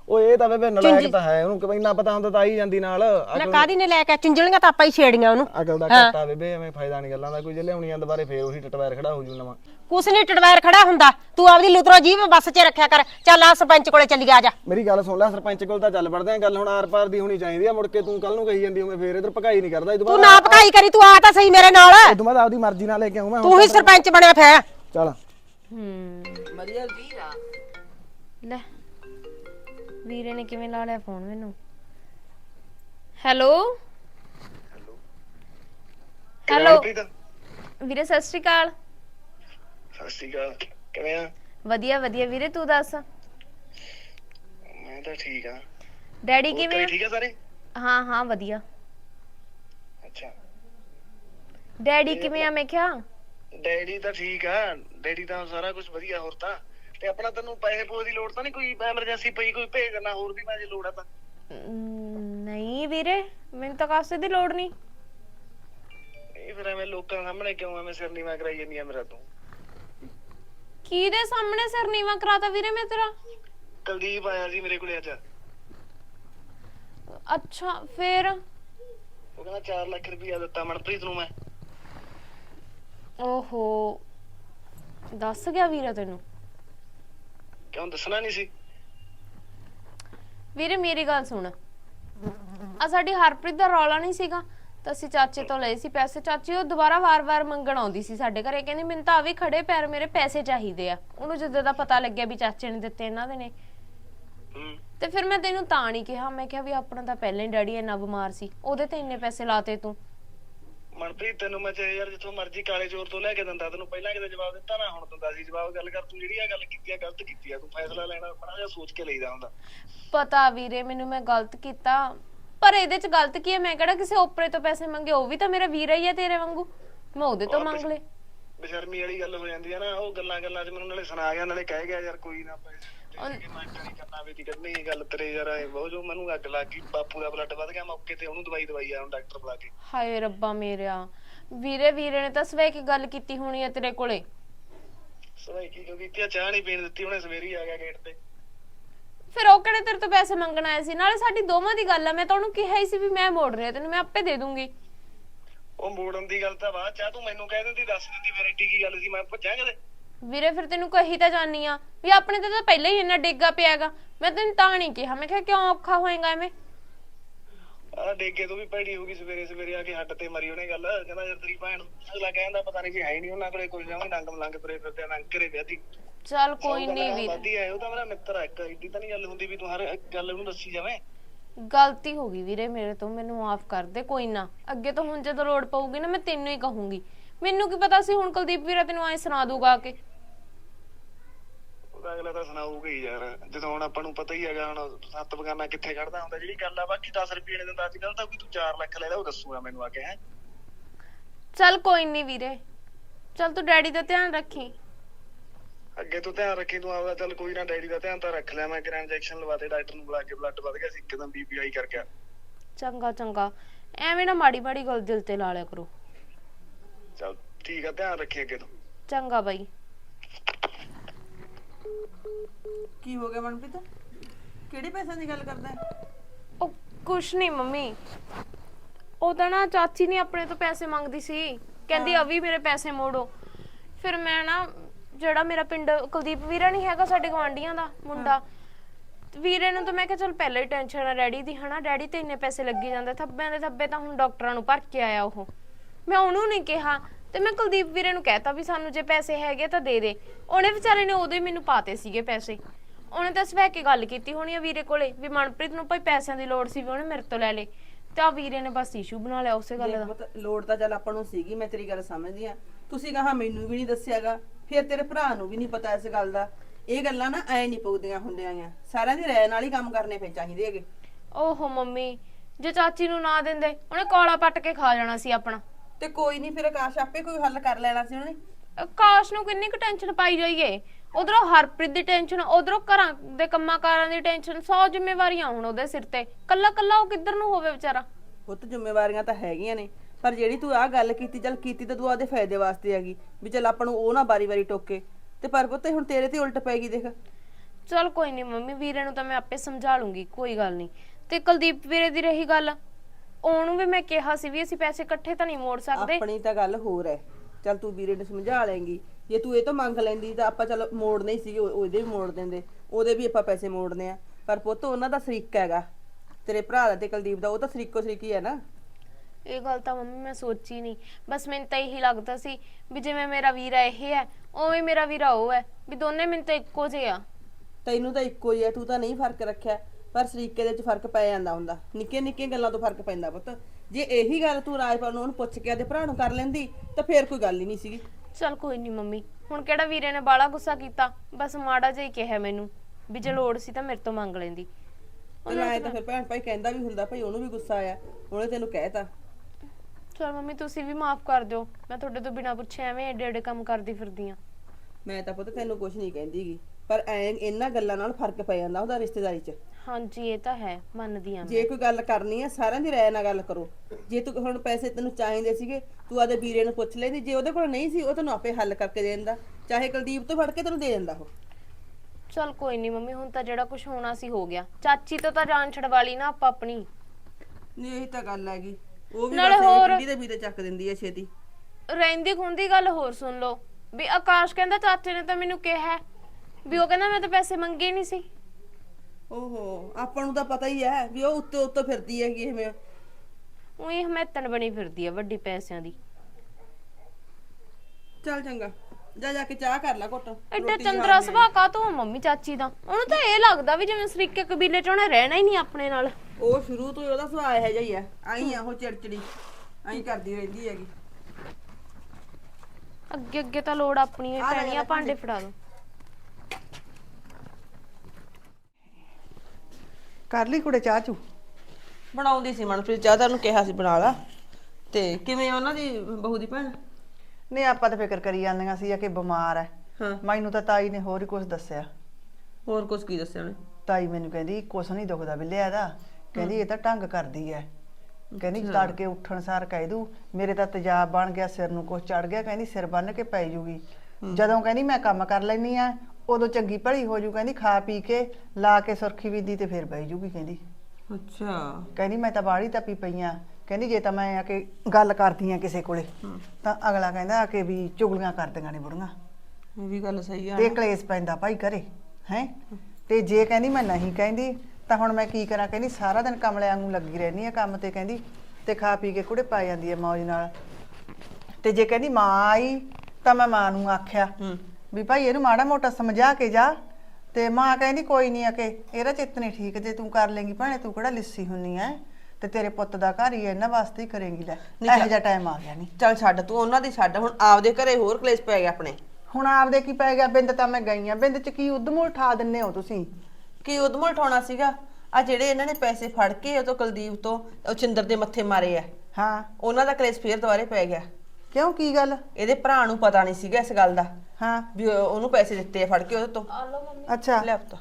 C: ਉਹ ਇਹ ਤਾਂ ਬੇਬੇ ਨਲਾਇਕ ਤਾਂ ਹੈ, ਉਹਨੂੰ ਇੰਨਾ ਪਤਾ ਹੁੰਦਾ ਤਾਂ ਆਈ ਜਾਂਦੀ ਨਾਲ।
D: ਨਾ ਕਾਦੀ ਨੇ ਲੈ ਕੇ ਚੁੰਝਲੀਆਂ ਤਾਂ ਆਪਾਂ ਹੀ ਛੇੜੀਆਂ ਉਹਨੂੰ।
C: ਅਕਲ ਦਾ ਘਾਟਾ ਬੇਬੇ, ਐਵੇਂ ਫਾਇਦਾ ਨਹੀਂ ਗੱਲਾਂ ਦਾ ਕੋਈ, ਜੇ ਲਿਆਉਣੀਆਂ ਦੁਬਾਰੇ ਫੇਰ ਉਹੀ ਟਟਵਾਰ ਖੜਾ ਹੋ ਜੂ ਨਵਾਂ।
D: ਕੁਛ ਨਹੀਂ ਟਟਵਾਰ ਖੜਾ ਹੁੰਦਾ, ਤੂੰ ਆਪਦੀ ਲੁਤਰੋ ਜੀਭ ਬੱਸ 'ਚ ਰੱਖਿਆ ਕਰ। ਚੱਲ ਆ ਸਰਪੰਚ ਕੋਲੇ ਚੱਲੀ ਆ ਜਾ।
C: ਮੇਰੀ ਗੱਲ ਸੁਣ ਲੈ, ਸਰਪੰਚ ਕੋਲ ਤਾਂ ਚੱਲ ਵੜਦੇ ਆ, ਗੱਲ ਹੁਣ ਆਰ ਪਾਰ ਦੀ ਹੋਣੀ ਚਾਹੀਦੀ ਆ। ਮੁੜ ਕੇ ਤੂੰ ਕੱਲ ਨੂੰ ਕਹੀ ਜਾਂਦੀ ਹੋਵੇਂ ਫੇਰ ਇਧਰ ਭਕਾਈ ਨਹੀਂ ਕਰਦਾ।
D: ਤੂੰ ਨਾ ਭਕਾਈ ਕਰੀ, ਤੂੰ ਆ ਤਾਂ ਸਹੀ ਮੇਰੇ ਨਾਲ।
C: ਤੂੰ ਮੈਂ ਆਪਦੀ ਮਰਜ਼ੀ ਨਾਲ ਲੈ ਕੇ ਆਉਂ ਮੈਂ।
D: ਤੂੰ ਹੀ ਸਰਪੰਚ ਬਣਿਆ ਫੇਰ।
C: ਚੱਲ
B: ਵਧੀਆ ਵੀਰਾ
A: ਲੈ ਵੀਰੇ ਨੇ ਕਿਵੇਂ ਲਾ ਲਿਆ ਫੋਨ ਮੈਨੂੰ। ਹੈਲੋ ਹੈਲੋ ਵੀਰੇ, ਸਤਿ ਸ਼੍ਰੀ ਅਕਾਲ।
E: ਸਤਿ ਸ਼੍ਰੀ ਅਕਾਲ, ਕਿਵੇਂ ਆ?
A: ਵਧੀਆ ਵਧੀਆ ਵੀਰੇ, ਤੂੰ ਦੱਸ।
E: ਮੈਂ ਤਾਂ ਠੀਕ ਆ।
A: ਡੈਡੀ
E: ਹੋਰ
A: ਕਿਵੇਂ
E: ਘਰੇ
A: ਆ?
E: ਠੀਕ ਆ ਸਾਰੇ?
A: ਹਾਂ ਹਾਂ ਵਧੀਆ।
E: ਅੱਛਾ,
A: ਡੈਡੀ ਕਿਵੇਂ ਆ ਮੈਂ ਕਿਹਾ?
E: ਡੈਡੀ ਤਾਂ ਠੀਕ ਆ, ਡੈਡੀ ਤਾਂ ਸਾਰਾ ਕੁਝ ਵਧੀਆ। ਹੋਰ ਤਾਂ ਤੇ ਆਪਣਾ ਤੈਨੂੰ ਪੈਸੇ ਪੂਸੇ ਦੀ ਲੋੜ ਤਾਂ ਨਹੀਂ? ਕੋਈ ਐਮਰਜੈਂਸੀ ਪਈ ਕੋਈ ਭੇਜ ਦੇਣਾ ਹੋਰ ਵੀ ਮੈਂ, ਜੇ ਲੋੜ ਆ ਤਾਂ।
A: ਨਹੀਂ ਵੀਰੇ, ਮੈਨੂੰ ਤਾਂ ਕਾਸੇ ਦੀ ਲੋੜ ਨਹੀਂ।
E: ਇਹ ਫਿਰ ਐਵੇਂ ਲੋਕਾਂ ਸਾਹਮਣੇ ਕਿਉਂ ਐਵੇਂ ਸਿਰ ਨੀਵਾਂ ਕਰਾਈ ਜਾਂਦੀ ਆ ਮੇਰਾ ਤੂੰ?
A: ਕਿਹਦੇ ਸਾਹਮਣੇ ਸਿਰ ਨੀਵਾਂ ਕਰਾਤਾ ਵੀਰੇ ਮੈਂ ਤੇਰਾ?
E: ਕੁਲਦੀਪ ਆਇਆ ਸੀ ਮੇਰੇ ਕੋਲੇ ਅੱਜ।
A: ਅੱਛਾ ਫੇਰ?
E: ਉਹ ਕਹਿੰਦਾ 4 ਲੱਖ ਰੁਪਇਆ ਦਿੱਤਾ ਮਨਪ੍ਰੀਤ ਨੂੰ ਮੈਂ।
A: ਓਹੋ, ਦੱਸ ਗਿਆ ਵੀਰਾ ਤੈਨੂੰ?
E: ਕਿਉਂ ਦੱਸਣਾ ਨਹੀਂ ਸੀ?
A: ਵੀਰੇ ਮੇਰੀ ਗੱਲ ਸੁਣ, ਆ ਸਾਡੀ ਹਰਪ੍ਰੀਤ ਦਾ ਰੌਲਾ ਨਹੀਂ ਸੀਗਾ ਤਾਂ ਅਸੀਂ ਚਾਚੇ ਤੋਂ ਲਏ ਸੀ ਪੈਸੇ। ਚਾਚੀ ਉਹ ਦੁਬਾਰਾ ਵਾਰ-ਵਾਰ ਮੰਗਣ ਆਉਂਦੀ ਸੀ ਸਾਡੇ ਘਰੇ, ਕਹਿੰਦੀ ਮੈਨੂੰ ਤਾਂ ਆ ਵੀ ਖੜੇ ਪੈਰ ਮੇਰੇ ਪੈਸੇ ਚਾਹੀਦੇ ਆ। ਉਹਨੂੰ ਜਦੋਂ ਦਾ ਪਤਾ ਲੱਗਿਆ ਵੀ ਚਾਚੇ ਨੇ ਦਿੱਤੇ ਇਹਨਾਂ ਦੇ ਨੇ, ਤੇ ਫਿਰ ਮੈਂ ਤੈਨੂੰ ਤਾਂ ਨਹੀਂ ਕਿਹਾ। ਮੈਂ ਕਿਹਾ ਵੀ ਆਪਣਾ ਤਾਂ ਪਹਿਲਾਂ ਹੀ ਡੈਡੀ ਇੰਨਾ ਬਿਮਾਰ ਸੀ, ਉਹਦੇ ਤੇ ਇੰਨੇ ਪੈਸੇ ਲਾਤੇ ਤੂੰ।
E: ਮਨਪ੍ਰੀਤ ਤੈਨੂੰ ਮੈਂ ਚਾਹੇ ਯਾਰ ਜਿੱਥੋਂ ਮਰਜ਼ੀ ਕਾਲੇ ਚੋਰ ਤੋਂ ਲੈ ਕੇ ਦਿੰਦਾ, ਤੈਨੂੰ ਪਹਿਲਾਂ ਕਿਤੇ ਜਵਾਬ ਦਿੱਤਾ ਨਾ, ਹੁਣ ਦਿੰਦਾ ਸੀ ਜਵਾਬ। ਗੱਲ ਕਰ, ਤੂੰ ਜਿਹੜੀ ਆ ਗੱਲ ਕੀਤੀ ਆ ਗਲਤ ਕੀਤੀ ਆ। ਤੂੰ ਫੈਸਲਾ ਲੈਣਾ ਬੜਾ ਜਿਹਾ ਸੋਚ ਕੇ ਲਈਦਾ ਹੁੰਦਾ।
A: ਪਤਾ ਵੀਰੇ ਮੈਨੂੰ ਮੈਂ ਗਲਤ ਕੀਤਾ, ਪਰ ਇਹਦੇ ਚ ਗਲਤ ਕੀ ਹੈ? ਮੈਂ ਕਿਹੜਾ ਕਿਸੇ ਓਪਰੇ ਤੋਂ ਪੈਸੇ ਮੰਗੇ, ਉਹ ਵੀ ਤਾਂ ਮੇਰਾ ਵੀਰਾ ਹੀ ਹੈ ਤੇਰੇ ਵਾਂਗੂ, ਮੈਂ ਉਹਦੇ ਤੋਂ ਮੰਗ ਲਏ।
E: ਬੇਸ਼ਰਮੀ ਵਾਲੀ ਗੱਲ ਹੋ ਜਾਂਦੀ ਆ ਨਾ, ਉਹ ਗੱਲਾਂ ਚ ਮੈਨੂੰ ਨਾਲੇ ਸੁਣਾ ਗਿਆ ਨਾਲੇ ਕਹਿ ਗਿਆ ਯਾਰ ਕੋਈ ਨਾ ਪੈਸੇ ਮੈਂ ਨਹੀਂ ਕਰਨਾ ਵੀ ਦੀ ਕੱਢਣੀ ਗੱਲ ਤੇਰੇ ਯਾਰ। ਐ ਬਹੁਤ ਜੋ ਮੈਨੂੰ ਅੱਗ ਲੱਗ ਗਈ, ਬਾਪੂ ਦਾ ਬਲੱਡ ਵੱਧ ਗਿਆ ਮੌਕੇ ਤੇ, ਉਹਨੂੰ ਦਵਾਈ ਆ ਹੁਣ ਡਾਕਟਰ ਬੁਲਾ ਕੇ।
A: ਹਾਏ ਰੱਬਾ ਮੇਰਿਆ, ਵੀਰੇ ਨੇ ਤਾਂ ਸਵੇਰ ਕੀ ਗੱਲ ਕੀਤੀ ਹੋਣੀ ਹੈ ਤੇਰੇ ਕੋਲੇ।
E: ਸਵੇਰ ਕੀ ਕਿਉਂ ਕੀਤੀ ਆ? ਚਾਹ ਨਹੀਂ ਪੀਣ ਦਿੱਤੀ ਉਹਨੇ, ਸਵੇਰੇ ਹੀ ਆ ਗਿਆ ਗੇਟ ਤੇ।
A: ਫਿਰ ਉਹ ਕਿਹੜੇ ਤੇਰੇ ਤੋਂ ਪੈਸੇ ਮੰਗਣ ਆਏ ਸੀ? ਨਾਲੇ ਸਾਡੀ ਦੋਵਾਂ ਦੀ ਗੱਲ ਆ, ਮੈਂ ਤਾਂ ਉਹਨੂੰ ਕਿਹਾ ਹੀ ਸੀ ਵੀ ਮੈਂ ਮੋੜ ਰਿਹਾ ਤੈਨੂੰ, ਮੈਂ ਆਪੇ ਦੇ ਦੂੰਗੀ।
E: ਉਹ ਮੋੜਨ ਦੀ ਗੱਲ ਤਾਂ ਬਾਅਦ ਚਾਹ, ਤੂੰ ਮੈਨੂੰ ਕਹਿ ਦਿੰਦੀ, ਦੱਸ ਦਿੰਦੀ ਫਿਰ ਐਡੀ ਕੀ ਗੱਲ ਸੀ, ਮੈਂ ਭੱਜਾਂ ਕਦੇ?
A: ਵੀਰੇ ਫਿਰ ਤੈਨੂੰ ਕਹੀ ਤਾਂ ਜਾਨੀ ਆ ਵੀ ਆਪਣੇ ਤੇ ਤਾਂ ਪਹਿਲਾਂ ਹੀ ਇੰਨਾ ਡੇਗਾ ਪਿਆਗਾ। ਮੈਂ ਤੈਨੂੰ ਤਾਂ ਨਹੀਂ ਕਿਹਾ, ਮੈਂ ਕਿਹਾ ਕਿਉਂ ਔਖਾ ਹੋਏਗਾ ਐਵੇਂ।
E: ਆ ਡੇਗੇ ਤੋਂ ਵੀ ਭੈੜੀ ਹੋ ਗਈ, ਸਵੇਰੇ ਆ ਕੇ ਹੱਡ ਤੇ ਮਰੀ ਉਹਨੇ ਗੱਲ। ਕਹਿੰਦਾ ਯਾਰ ਤੇਰੀ ਭੈਣ, ਅਗਲਾ ਕਹਿੰਦਾ ਪਤਾ ਨਹੀਂ ਸੀ ਹੈ ਹੀ ਨਹੀਂ ਉਹਨਾਂ ਕੋਲੇ ਕੁਝ, ਜਾਵਾਂ ਡੰਗ ਮਲੰਗ ਤੁਰੇ ਫਿਰਦੇ ਨੰਗ ਘਰੇ ਵਿਆਹਦੀ।
A: ਚੱਲ ਕੋਈ ਨਹੀਂ ਵੀਰੇ,
E: ਵਾਦੀ ਆਏ, ਉਹ ਤਾਂ ਮੇਰਾ ਮਿੱਤਰ ਆ ਇੱਕ, ਏਡੀ ਤਾਂ ਨਹੀਂ ਗੱਲ ਹੁੰਦੀ ਵੀ ਤੂੰ ਹਰ ਗੱਲ ਉਹਨੂੰ ਦੱਸੀ ਜਾਵੇਂ।
A: ਗਲਤੀ ਹੋ ਗਈ ਵੀਰੇ ਮੇਰੇ ਤੋਂ, ਮੈਨੂੰ ਮਾਫ ਕਰ ਦੇ। ਕੋਈ ਨਾ, ਅੱਗੇ ਤੋਂ ਹੁਣ ਜਦੋਂ ਲੋੜ ਪਊਗੀ ਨਾ ਮੈਂ ਤੈਨੂੰ ਹੀ ਕਹੂੰਗੀ। ਮੈਨੂੰ ਕੀ ਪਤਾ ਸੀ ਹੁਣ ਕੁਲਦੀਪ ਵੀਰਾ ਤੈਨੂੰ ਐ ਸੁਣਾ ਦੂਗਾ ਆ ਕੇ।
E: ਅਗਲਾ ਤਾਂ ਸੁਣਾਊਗਾ ਹੀ ਯਾਰ, ਜਦੋਂ ਹੁਣ ਆਪਾਂ ਨੂੰ ਪਤਾ ਹੀ ਹੈਗਾ ਹੁਣ 7 ਬਗਾਨਾ ਕਿੱਥੇ ਕੱਢਦਾ ਹੁੰਦਾ। ਜਿਹੜੀ ਗੱਲ ਆ ਬਾਕੀ 10 ਰੁਪਏ ਨੇ ਦਿੰਦਾ, ਅੱਜ ਕੱਲ ਤਾਂ ਕੋਈ ਤੂੰ 4 ਲੱਖ ਲੈ ਲੈ ਉਹ ਦੱਸੂਗਾ ਮੈਨੂੰ ਆ ਕੇ। ਹੈ
A: ਚੱਲ ਕੋਈ ਨਹੀਂ ਵੀਰੇ, ਚੱਲ ਤੂੰ ਡੈਡੀ ਦਾ ਧਿਆਨ ਰੱਖੀ।
E: ਅੱਗੇ ਤੋਂ ਧਿਆਨ ਰੱਖੀ ਤੂੰ ਆਪਦਾ। ਚੱਲ ਕੋਈ ਨਾ, ਡੈਡੀ ਦਾ ਧਿਆਨ ਤਾਂ ਰੱਖ ਲਿਆ ਮੈਂ। ਕਿਰਾਂ ਇੰਜੈਕਸ਼ਨ ਲਵਾਤੇ ਡਾਕਟਰ ਨੂੰ ਬੁਲਾ ਕੇ, ਬਲੱਡ ਵੱਧ ਗਿਆ ਸੀ ਇੱਕਦਮ, BPI ਕਰ ਗਿਆ।
A: ਚੰਗਾ ਐਵੇਂ ਨਾ ਮਾੜੀ ਗੱਲ ਦਿਲ ਤੇ ਲਾ ਲਿਆ ਕਰੋ।
E: ਚੱਲ ਠੀਕ ਆ, ਧਿਆਨ ਰੱਖੀ ਅੱਗੇ ਤੋਂ।
A: ਚੰਗਾ ਬਾਈ।
B: ਕੀ ਹੋ ਗਿਆ ਮਨਪ੍ਰੀਤ? ਕਿਹੜੇ ਪੈਸਿਆਂ ਦੀ ਗੱਲ ਕਰਦਾ ਹੈ?
A: ਉਹ ਕੁਛ ਨਹੀਂ ਮੰਮੀ, ਉਹ ਤਾਂ ਨਾ ਚਾਚੀ ਨੇ ਆਪਣੇ ਤੋਂ ਪੈਸੇ ਮੰਗਦੀ ਸੀ, ਕਹਿੰਦੀ ਅਵੀ ਮੇਰੇ ਪੈਸੇ ਮੋੜੋ। ਫਿਰ ਮੈਂ ਨਾ, ਜਿਹੜਾ ਮੇਰਾ ਪਿੰਡ ਕੁਲਦੀਪ ਵੀਰਾ ਨਹੀਂ ਹੈਗਾ ਸਾਡੇ ਗਵਾਂਢੀਆਂ ਦਾ ਮੁੰਡਾ, ਵੀਰੇ ਨੂੰ ਤਾਂ ਮੈਂ ਕਿਹਾ ਚਲ ਪਹਿਲਾਂ ਹੀ ਟੈਨਸ਼ਨ ਆ ਡੈਡੀ ਦੀ, ਹਨਾ ਡੈਡੀ ਤੇ ਇੰਨੇ ਪੈਸੇ ਲੱਗੀ ਜਾਂਦੇ, ਥੱਬਿਆਂ ਦੇ ਥੱਬੇ ਤਾਂ ਹੁਣ ਡਾਕਟਰਾਂ ਨੂੰ ਭਰ ਕੇ ਆਇਆ ਉਹ। ਮੈਂ ਉਹਨੂੰ ਨਹੀਂ ਕਿਹਾ, ਤੇ ਮੈਂ ਕੁਲਦੀਪ ਵੀਰੇ ਨੂੰ ਕਹਿਤਾ ਵੀ ਸਾਨੂੰ ਜੇ ਪੈਸੇ ਹੈਗੇ ਤਾਂ ਦੇ ਦੇ। ਉਹਨੇ ਵਿਚਾਰੇ ਨੇ ਉਦੋਂ ਹੀ ਮੈਨੂੰ ਪਾਤੇ ਸੀਗੇ ਪੈਸੇ। ਉਹਨੇ ਤਾਂ ਸਵੇਰ ਕੇ ਗੱਲ ਕੀਤੀ ਹੋਣੀ ਆ ਵੀਰੇ ਕੋਲੇ ਵੀ ਮਨਪ੍ਰੀਤ ਨੂੰ ਭਾਈ ਪੈਸਿਆਂ ਦੀ ਲੋੜ ਸੀ, ਵੀ ਉਹਨੇ ਮੇਰੇ ਤੋਂ ਲੈ ਲਏ, ਤੇ ਆ ਵੀਰੇ ਨੇ ਬਸ ਇਸ਼ੂ ਬਣਾ ਲਿਆ ਉਸੇ ਗੱਲ ਦਾ।
B: ਲੋੜ ਤਾਂ ਚੱਲ ਆਪਾਂ ਨੂੰ ਸੀਗੀ, ਮੈਂ ਤੇਰੀ ਗੱਲ ਸਮਝਦੀ ਆ। ਤੁਸੀਂ ਕਹਾ ਮੈਨੂੰ ਵੀ ਨਹੀਂ ਦੱਸਿਆਗਾ, ਫਿਰ ਤੇਰੇ ਭਰਾ ਨੂੰ ਵੀ ਨਹੀਂ ਪਤਾ ਇਸ ਗੱਲ ਦਾ। ਇਹ ਗੱਲਾਂ ਨਾ ਐ ਨਹੀਂ ਪੁੱਗਦੀਆਂ ਹੁੰਦੀਆਂ ਆ, ਸਾਰਿਆਂ ਦੀ ਰਾਏ ਨਾਲ ਹੀ ਕੰਮ ਕਰਨੇ ਫਿਰ ਚਾਹੀਦੇ ਹੈਗੇ।
A: ਓਹੋ ਮੰਮੀ, ਜੇ ਚਾਚੀ ਨੂੰ ਨਾ ਦਿੰਦੇ ਉਹਨੇ ਕੋਲਾ ਪੱਟ ਕੇ ਖਾ ਜਾਣਾ ਸੀ ਆਪਣਾ।
B: ਤੇ ਕੋਈ ਨਹੀਂ, ਫਿਰ ਆਕਾਸ਼ ਆਪੇ ਕੋਈ ਹੱਲ ਕਰ ਲੈਣਾ ਸੀ ਉਹਨੇ।
A: ਆਕਾਸ਼ ਨੂੰ ਕਿੰਨੀ ਕੁ ਟੈਨਸ਼ਨ ਪਾਈ ਜਾਈਏ, ਉਧਰੋਂ ਹਰਪ੍ਰੀਤ ਦੀ ਟੈਨਸ਼ਨ, ਉਧਰੋਂ ਘਰਾਂ ਦੇ ਕੰਮਾਂ ਕਾਰਾਂ ਦੀ ਟੈਨਸ਼ਨ, 100 ਜ਼ਿੰਮੇਵਾਰੀਆਂ ਹੁਣ ਉਹਦੇ ਸਿਰ ਤੇ। ਕੱਲਾ ਉਹ ਕਿੱਧਰ ਨੂੰ ਹੋਵੇ ਵਿਚਾਰਾ।
B: ਪੁੱਤ ਜ਼ਿੰਮੇਵਾਰੀਆਂ ਤਾਂ ਹੈਗੀਆਂ ਨੇ, ਪਰ ਜਿਹੜੀ ਤੂੰ ਆਹ ਗੱਲ ਕੀਤੀ, ਚੱਲ ਕੀਤੀ ਤਾਂ ਤੂੰ ਆਦੇ ਫਾਇਦੇ ਵਾਸਤੇ ਹੈਗੀ ਵੀ ਚੱਲ ਆਪਾਂ ਨੂੰ ਉਹ ਨਾ ਵਾਰੀ ਟੋਕੇ, ਤੇ ਪਰ ਪੁੱਤ ਹੁਣ ਤੇਰੇ ਤੇ ਉਲਟ ਪੈ ਗਈ। ਦੇਖ
A: ਚਲ ਕੋਈ ਨਹੀਂ ਮੰਮੀ, ਵੀਰੇ ਨੂੰ ਤਾਂ ਮੈਂ ਆਪੇ ਸਮਝਾ ਲੂੰਗੀ, ਕੋਈ ਗੱਲ ਨਹੀਂ। ਤੇ ਕੁਲਦੀਪ ਵੀਰੇ ਦੀ ਰਹੀ ਗੱਲ, ਉਹਨੂੰ ਵੀ ਮੈਂ ਕਿਹਾ ਸੀ ਵੀ ਅਸੀਂ ਪੈਸੇ ਇਕੱਠੇ ਤਾਂ ਨਹੀਂ ਮੋੜ ਸਕਦੇ।
B: ਆਪਣੀ ਤਾਂ ਗੱਲ ਹੋਰ ਹੈ। ਚੱਲ ਤੂੰ ਵੀਰੇ ਨੂੰ ਸਮਝਾ ਲੇਂਗੀ, ਜੇ ਤੂੰ ਇਹ ਤੋਂ ਮੰਗ ਲੈਂਦੀ ਤਾਂ ਆਪਾਂ ਚਲ ਮੋੜਨੇ ਹੀ ਸੀਗੇ, ਉਹਦੇ ਵੀ ਮੋੜ ਦਿੰਦੇ, ਉਹਦੇ ਵੀ ਆਪਾਂ ਪੈਸੇ ਮੋੜਨੇ ਆ। ਪਰ ਪੁੱਤ ਉਹਨਾਂ ਦਾ ਸ਼ਰੀਕ ਹੈਗਾ, ਤੇਰੇ ਭਰਾ ਦਾ ਤੇ ਕੁਲਦੀਪ ਦਾ, ਉਹ ਤਾਂ ਸ਼ਰੀਕੋ ਸ਼ਰੀਕੀ ਹੈ ਨਾ।
A: ਇਹ ਗੱਲ ਤਾਂ ਮੰਮੀ ਮੈਂ ਸੋਚੀ ਨਹੀਂ, ਬਸ ਮੈਨੂੰ ਤਾਂ ਇਹੀ ਲੱਗਦਾ ਸੀ ਵੀ ਜਿਵੇਂ ਮੇਰਾ ਵੀਰਾ ਇਹ ਹੈ ਉਵੇਂ ਮੇਰਾ ਵੀਰਾ ਉਹ ਹੈ, ਵੀ ਦੋਨੇ ਮੈਨੂੰ ਤਾਂ ਇੱਕੋ ਜਿਹੇ ਆ।
B: ਤੈਨੂੰ ਤਾਂ ਇੱਕੋ ਹੀ ਹੈ, ਤੂੰ ਤਾਂ ਨਹੀਂ ਫਰਕ ਰੱਖਿਆ, ਪਰ ਸ਼ਰੀਕੇ ਦੇ ਵਿੱਚ ਫਰਕ ਪੈ ਜਾਂਦਾ ਹੁੰਦਾ, ਨਿੱਕੀਆਂ ਨਿੱਕੀਆਂ ਗੱਲਾਂ ਤੋਂ ਫਰਕ ਪੈਂਦਾ ਪੁੱਤ। ਜੇ ਇਹੀ ਗੱਲ ਤੂੰ ਰਾਜਪਾਲ ਨੂੰ ਉਹਨੂੰ ਪੁੱਛ ਕੇ ਆਦੇ ਭਰਾ ਨੂੰ ਕਰ ਲੈਂਦੀ ਤਾਂ ਫੇਰ ਕੋਈ ਗੱਲ ਹੀ ਨਹੀਂ ਸੀਗੀ।
A: ਚਲ ਕੋਈ ਨਹੀਂ ਮੰਮੀ, ਹੁਣ ਕਿਹੜਾ ਵੀਰੇ ਨੇ ਬਾਲਾ ਗੁੱਸਾ ਕੀਤਾ, ਬਸ ਮਾੜਾ ਜਿਹਾ ਹੀ ਕਿਹਾ ਮੈਨੂੰ ਵੀ ਜੇ ਲੋੜ ਸੀ ਤਾਂ ਮੇਰੇ ਤੋਂ ਮੰਗ ਲੈਂਦੀ।
B: ਤੇ ਨਾ ਤਾਂ ਫਿਰ ਭੈਣ ਭਾਈ ਕਹਿੰਦਾ ਵੀ ਹੁੰਦਾ, ਭਾਈ ਉਹਨੂੰ ਵੀ ਗੁੱਸਾ ਆਇਆ, ਉਹਨੇ ਤੈਨੂੰ ਕਹਿਤਾ।
A: ਚਲ ਮੰਮੀ ਤੁਸੀਂ ਵੀ ਮਾਫ ਕਰ ਦਿਓ, ਮੈਂ ਤੁਹਾਡੇ ਤੋਂ ਬਿਨਾਂ ਪੁੱਛੇ ਐਵੇਂ ਏਡੇ ਏਡੇ ਕੰਮ ਕਰਦੀ ਫਿਰਦੀ ਆ।
B: ਮੈਂ ਤਾਂ ਪੁੱਤ ਤੈਨੂੰ ਕੁਝ ਨਹੀਂ ਕਹਿੰਦੀਗੀ, ਪਰ ਇਹਨਾਂ ਗੱਲਾਂ ਨਾਲ ਫਰਕ ਪੈ ਜਾਂਦਾ ਉਹਦਾ ਰਿਸ਼ਤੇਦਾਰੀ 'ਚ।
A: ਹਾਂਜੀ ਇਹ ਤਾਂ ਹੈ, ਮੰਨਦੀ ਆ
B: ਜੇ ਕੋਈ ਗੱਲ ਕਰਨੀ ਹੈ ਸਾਰਿਆਂ ਦੀ ਰਾਏ ਨਾਲ ਗੱਲ ਕਰੋ। ਜੇ ਤੂੰ ਹੁਣ ਪੈਸੇ ਤੈਨੂੰ ਚਾਹੀਦੇ ਸੀਗੇ, ਤੂੰ ਆਦੇ ਵੀਰੇ ਨੂੰ ਪੁੱਛ ਲੈਂਦੀ, ਜੇ ਉਹਦੇ ਕੋਲ ਨਹੀਂ ਸੀ ਉਹ ਤੈਨੂੰ ਆਪੇ ਹੱਲ ਕਰਕੇ ਦੇ ਦਿੰਦਾ, ਚਾਹੇ ਕੁਲਦੀਪ ਤੋਂ ਫੜ ਕੇ ਤੈਨੂੰ ਦੇ ਦਿੰਦਾ ਉਹ।
A: ਚਲ ਕੋਈ ਨਹੀਂ ਮੰਮੀ, ਹੁਣ ਤਾਂ ਜਿਹੜਾ ਕੁਝ ਹੋਣਾ ਸੀ ਹੋ ਗਿਆ। ਚਾਚੀ ਤੋਂ ਤਾਂ ਜਾਨ ਛਡਵਾ ਲਈ ਨਾ ਆਪਾਂ ਆਪਣੀ।
B: ਨਹੀਂ ਇਹੀ ਤਾਂ ਗੱਲ ਹੈਗੀ, ਉਹ ਵੀ
A: ਨਾਲੇ
B: ਬਸ
A: ਹੋਰ-
B: ਪੀੜੀ ਦੇ ਵੀਰੇ ਚੱਕ ਦਿੰਦੀ ਹੈ ਛੇਤੀ।
A: ਰਹਿੰਦੀ ਖੁੰਦੀ ਗੱਲ ਹੋਰ ਸੁਣ ਲਓ, ਵੀ ਆਕਾਸ਼ ਕਹਿੰਦਾ ਚਾਚੇ ਨੇ ਤਾਂ ਮੈਨੂੰ ਕਿਹਾ ਵੀ ਉਹ ਕਹਿੰਦਾ ਮੈਂ ਤਾਂ ਪੈਸੇ ਮੰਗੇ ਨਹੀਂ ਸੀ।
B: ਓਹੋ, ਆਪਾਂ ਨੂੰ ਤਾਂ ਪਤਾ ਹੀ ਹੈ ਵੀ ਉਹ ਉੱਤੇ ਉੱਤੇ ਫਿਰਦੀ ਹੈਗੀ ਐਵੇਂ।
A: ਉਹੀ ਹਮੈਤਨ ਬਣੀ ਫਿਰਦੀ ਆ ਵੱਡੀ ਪੈਸਿਆਂ ਦੀ।
B: ਚੱਲ ਚੰਗਾ, ਜਾ ਜਾ ਕੇ ਚਾਹ ਕਰ ਲੈ ਘੁੱਟ।
A: ਐਡਾ ਚੰਦਰਾ ਸੁਭਾਅ ਕਾ ਤੋਂ ਮੰਮੀ ਚਾਚੀ ਦਾ, ਉਹਨੂੰ ਤਾਂ ਇਹ ਲੱਗਦਾ ਵੀ ਜਿਵੇਂ ਸਰੀਕੇ ਕਬੀਲੇ ਚ ਉਹਨੇ ਰਹਿਣਾ ਹੀ ਨਹੀਂ ਆਪਣੇ ਨਾਲ।
B: ਉਹ ਸ਼ੁਰੂ ਤੋਂ ਹੀ ਉਹਦਾ ਸੁਭਾਅ ਇਹੋ ਜਿਹਾ ਹੀ ਹੈ, ਆਈ ਆ ਉਹ ਚਿੜਚਿੜੀ, ਆਈ ਕਰਦੀ ਰਹਿੰਦੀ ਹੈਗੀ।
A: ਅੱਗੇ ਅੱਗੇ ਤਾਂ ਲੋੜ ਆਪਣੀ ਹੀ
B: ਆ ਲੈ
A: ਪੈਣੀ ਆ, ਭਾਂਡੇ ਫੜਾ ਦੋ।
F: ਕਰ ਲਈ ਕੁੜੇ ਚਾਹ ਚੂ?
B: ਬਣਾਉਂਦੀ ਸੀ ਮਨਪ੍ਰੀਤ ਚਾਹ, ਤਾਂ ਉਹਨੂੰ ਕਿਹਾ ਸੀ ਬਣਾ ਲਾ। ਤੇ ਕਿਵੇਂ ਉਹਨਾਂ ਦੀ ਬਹੂ ਦੀ ਭੈਣ?
F: ਨਹੀਂ ਆਪਾਂ ਤਾਂ ਫਿਕਰ ਕਰੀ ਜਾਂਦੀਆਂ ਸੀ ਕਿ ਬਿਮਾਰ ਹੈ।
B: ਹਾਂ,
F: ਮੈਨੂੰ ਤਾਂ ਤਾਈ ਨੇ ਹੋਰ ਹੀ ਕੁਝ ਦੱਸਿਆ।
B: ਹੋਰ ਕੁਝ ਕੀ ਦੱਸਿਆ ਉਹਨੇ?
F: ਤਾਈ ਮੈਨੂੰ ਕਹਿੰਦੀ ਕੁਛ ਨਹੀਂ ਦੁਖਦਾ ਬਿੱਲਿਆ ਦਾ, ਕਹਿੰਦੀ ਇਹ ਤਾਂ ਢੰਗ ਕਰਦੀ ਐ, ਕਹਿੰਦੀ ਤੜਕੇ ਉੱਠਣ ਸਾਰ ਕਹਿ ਦੂ ਮੇਰੇ ਤਾਂ ਤੇਜ਼ਾਬ ਬਣ ਗਿਆ, ਸਿਰ ਨੂੰ ਕੁਛ ਚੜ ਗਿਆ, ਕਹਿੰਦੀ ਸਿਰ ਬੰਨ ਕੇ ਪੈ ਜੂਗੀ। ਜਦੋਂ ਕਹਿੰਦੀ ਮੈਂ ਕੰਮ ਕਰ ਲੈਣੀ ਆ ਉਦੋਂ ਚੰਗੀ ਭਲੀ ਹੋ ਜੂ, ਕਹਿੰਦੀ ਖਾ ਪੀ ਕੇ ਲਾ ਕੇ ਸੁਰਖੀ ਵਿੰਦੀ ਤੇ ਫਿਰ ਬਹਿ ਜੂਗੀ। ਕਹਿੰਦੀ
B: ਅੱਛਾ,
F: ਕਹਿੰਦੀ ਮੈਂ ਤਾਂ ਬਾਹਲੀ ਤਪੀ ਪਈਆਂ, ਕਹਿੰਦੀ ਜੇ ਤਾਂ ਮੈਂ ਆ ਕੇ ਗੱਲ ਕਰਦੀ ਆ ਕਿਸੇ ਕੋਲੇ ਤਾਂ ਅਗਲਾ ਕਹਿੰਦਾ ਆ ਕੇ ਵੀ ਚੁਗਲੀਆਂ ਕਰਦੀਆਂ ਨੇ ਬੁੜੀਆਂ,
B: ਇਹ ਵੀ ਗੱਲ ਸਹੀ ਆ।
F: ਤੇ ਕਲੇਸ਼ ਪੈਂਦਾ ਭਾਈ ਘਰੇ ਹੈ। ਤੇ ਜੇ ਕਹਿੰਦੀ ਮੈਂ ਨਹੀਂ ਕਹਿੰਦੀ ਤਾਂ ਹੁਣ ਮੈਂ ਕੀ ਕਰਾਂ, ਕਹਿੰਦੀ ਸਾਰਾ ਦਿਨ ਕਮਲਿਆਂ ਵਾਂਗੂ ਲੱਗੀ ਰਹਿੰਦੀ ਆ ਕੰਮ ਤੇ, ਕਹਿੰਦੀ ਤੇ ਖਾ ਪੀ ਕੇ ਕੁੜੇ ਪਾ ਜਾਂਦੀ ਆ ਮੌਜ ਨਾਲ। ਤੇ ਜੇ ਕਹਿੰਦੀ ਮਾਂ ਆਈ ਤਾਂ ਮੈਂ ਮਾਂ ਨੂੰ ਆਖਿਆ ਵੀ ਭਾਈ ਇਹਨੂੰ ਮਾੜਾ ਮੋਟਾ ਸਮਝਾ ਕੇ ਜਾ, ਤੇ ਮਾਂ ਕਹਿੰਦੀ ਕੋਈ ਨਹੀਂ, ਆ ਕੇ ਇਹਦਾ ਚਿੱਤ ਨਹੀਂ ਠੀਕ, ਜੇ ਤੂੰ ਕਰ ਲੇਂਗੀ ਭੈਣੇ ਤੂੰ ਕਿਹੜਾ ਲਿੱਸੀ ਹੁੰਨੀ ਐ, ਤੇ ਤੇਰੇ ਪੁੱਤ ਦਾ ਘਰ ਹੀ ਇਹਨਾਂ ਵਾਸਤੇ ਹੀ ਕਰੇਂਗੀ। ਲੈ ਇਹੋ ਜਿਹਾ ਟਾਈਮ ਆ ਗਿਆ। ਨਹੀਂ
B: ਚੱਲ ਛੱਡ ਤੂੰ ਉਹਨਾਂ ਦੀ, ਛੱਡ ਹੁਣ ਆਪਦੇ ਘਰੇ ਹੋਰ ਕਲੇਸ਼ ਪੈ ਗਿਆ ਆਪਣੇ।
F: ਹੁਣ ਆਪਦੇ ਕੀ ਪੈ ਗਿਆ, ਬਿੰਦ ਤਾਂ ਮੈਂ ਗਈ ਆ, ਬਿੰਦ ਚ ਕੀ ਉਦਮ ਉਠਾ ਦਿੰਨੇ ਹੋ ਤੁਸੀਂ?
B: ਕੀ ਉਦਮ ਉਠਾਉਣਾ ਸੀਗਾ? ਆ ਜਿਹੜੇ ਇਹਨਾਂ ਨੇ ਪੈਸੇ ਫੜ ਕੇ ਉਹ ਤੋਂ ਕੁਲਦੀਪ ਤੋਂ ਉਹ ਚਿੰਦਰ ਦੇ ਮੱਥੇ ਮਾਰੇ ਆ,
F: ਹਾਂ
B: ਉਹਨਾਂ ਦਾ ਕਲੇਸ਼ ਫੇਰ ਦੁਬਾਰੇ ਪੈ ਗਿਆ।
F: ਕਿਉਂ, ਕੀ ਗੱਲ?
B: ਇਹਦੇ ਭਰਾ ਨੂੰ ਪਤਾ ਨਹੀਂ ਸੀਗਾ ਇਸ ਗੱਲ ਦਾ
F: ਹਾਂ
B: ਵੀ ਉਹਨੂੰ ਪੈਸੇ ਦਿੱਤੇ ਆ ਫੜ ਕੇ ਉਹਦੇ ਤੋਂ।
F: ਅੱਛਾ,
B: ਲੈ ਪੁੱਤ,